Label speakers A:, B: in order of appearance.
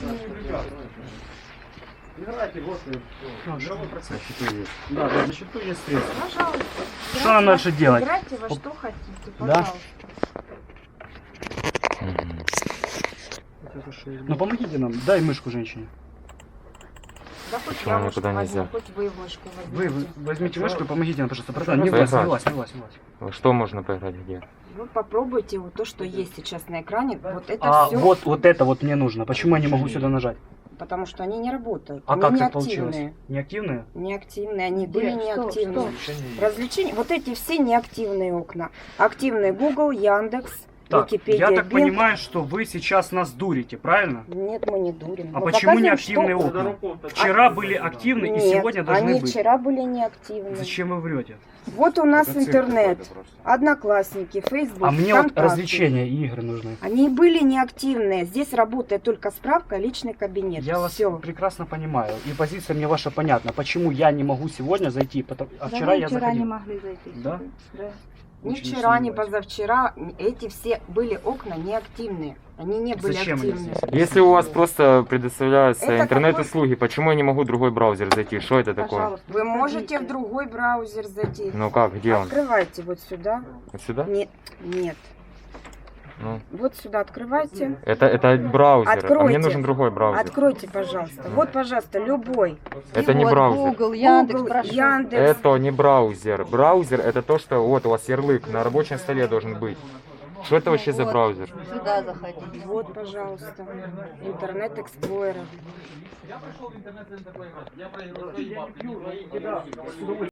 A: Играйте, вот мировой процесс.
B: Да, на счету есть средства.
C: Пожалуйста.
B: Что нам дальше делать?
C: Играйте во что хотите,
B: Да?
C: пожалуйста.
B: Ну помогите нам, дай мышку женщине.
C: Да хоть
D: Почему
C: я мышку
D: никуда
C: возьму,
D: нельзя?
C: хоть вы мышку
B: Вы
C: возьмите.
B: возьмите мышку и помогите нам, пожалуйста, братан. Не
D: Поиграть.
B: влазь, не влазь.
D: Во что можно поиграть, где?
C: Вы попробуйте вот то, что есть сейчас на экране. Вот это
B: А
C: все,
B: вот это вот мне нужно. Почему я не могу сюда нажать?
C: потому что они не работают.
B: А
C: они
B: как
C: не
B: так получилось?
C: активные.
B: Неактивные?
C: Неактивные, они были
E: Что?
C: неактивные. Развлечения, вот эти все неактивные окна. Активные Google, Яндекс,
B: Так,
C: Википедия,
B: я так
C: Bing.
B: понимаю, что вы сейчас нас дурите, правильно?
C: Нет, мы не дурим.
B: А
C: Мы
B: почему
C: показываем,
B: неактивные
C: что-
B: окна? Вчера были активны и
C: Нет,
B: сегодня должны
C: они
B: быть.
C: вчера были неактивны.
B: Зачем вы врете?
C: Вот у нас интернет, Одноклассники, Facebook,
B: А мне вот
C: ВКонтакте.
B: развлечения и игры нужны.
C: Они были неактивные. Здесь работает только справка, личный кабинет.
B: Я вас
C: Все.
B: прекрасно понимаю. И позиция мне ваша понятна. Почему я не могу сегодня зайти? А вчера я
E: вчера не
B: заходил.
E: могли зайти.
B: Да?
E: Да.
C: Ни
B: Очень
C: вчера, ни
B: сомневаюсь.
C: позавчера эти все были окна неактивные. Они не были
B: Зачем они
C: активны.
B: здесь?
D: Если у вас просто предоставляются
C: Это
D: интернет-услуги, почему я не могу в другой браузер зайти? Что это такое?
E: Пожалуйста,
C: Вы можете
E: заходите.
C: в другой браузер зайти.
D: Ну как, где он?
C: Открывайте вот сюда.
D: Вот сюда?
C: Нет, нет.
D: Ну,
C: Вот сюда открывайте.
D: это браузер, а
C: Откройте.
D: мне нужен другой браузер.
C: Откройте, пожалуйста. Вот, пожалуйста, любой.
D: Это не
E: Вот,
D: браузер.
E: Google, Яндекс,
C: Google,
E: прошу.
C: Яндекс.
D: Это не браузер. Браузер это то, что вот у вас ярлык на рабочем столе должен быть. Что это вообще за
E: Вот.
D: браузер?
E: Сюда заходите.
C: Вот, пожалуйста. Интернет Explorer.